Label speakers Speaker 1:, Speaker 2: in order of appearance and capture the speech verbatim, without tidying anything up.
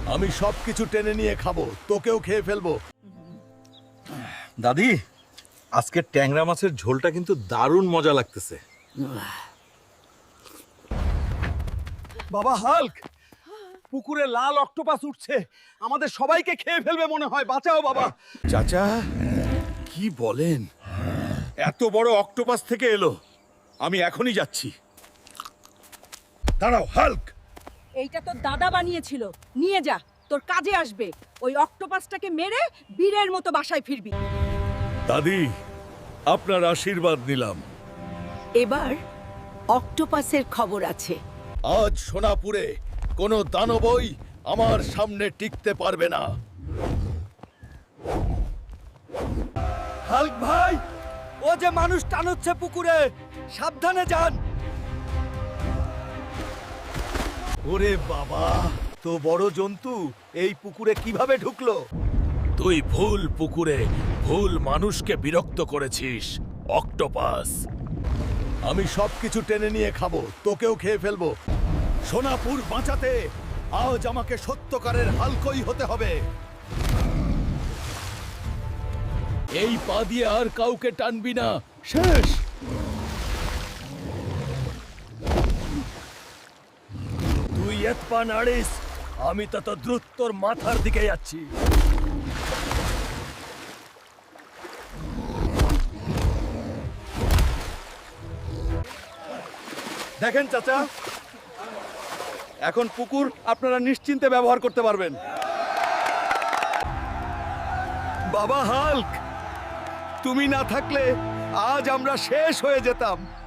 Speaker 1: আমি সবকিছু টেনে নিয়ে খাবো, তোকেও খেয়ে ফেলবো।
Speaker 2: দাদি, আজকে ট্যাংরা মাছের ঝোলটা কিন্তু দারুণ মজা লাগতেছে।
Speaker 3: বাবা হাল্ক, পুকুরে লাল অক্টোপাস উঠছে, আমাদের সবাইকে খেয়ে ফেলবে মনে হয়। বাঁচাও বাবা।
Speaker 1: চাচা, কি বলেন? এত বড় অক্টোপাস থেকে এলো, আমি এখনই যাচ্ছি। দাঁড়াও হাল্ক।
Speaker 4: এইটা তোর দাদা বানিয়েছিল, নিয়ে যা, তোর কাজে আসবে। ওই অক্টোপাসটাকে মেরে বীরের মতো বাসায় ফিরবি।
Speaker 1: দাদি, আপনার আশীর্বাদ নিলাম।
Speaker 5: এবার অক্টোপাসের খবর আছে।
Speaker 1: আজ সোনাপুরে কোনো দানবই আমার সামনে টিকতে পারবে না।
Speaker 3: হাল্ক ভাই, ও যে মানুষ টানুচ্ছে পুকুরে, সাবধানে যান।
Speaker 1: ওরে বাবা, তো বড় জন্তু এই পুকুরে কিভাবে ঢুকলো? তুই ভুল পুকুরে ভুল মানুষকে বিরক্ত করেছিস, অক্টোপাস। আমি সবকিছু টেনে নিয়ে খাবো, তোকেও খেয়ে ফেলবো। সোনাপুর বাঁচাতে আজ আমাকে সত্যকারের হালকই হতে হবে। এই পা দিয়ে আর কাউকে টানবি না, শেষ। তুই এক পা নাড়িস, আমি তত দ্রুত তোর মাথার দিকে যাচ্ছি।
Speaker 3: দেখেন চাচা, এখন পুকুর আপনারা নিশ্চিন্তে ব্যবহার করতে পারবেন। বাবা হাল্ক, তুমি না থাকলে আজ আমরা শেষ হয়ে যেতাম।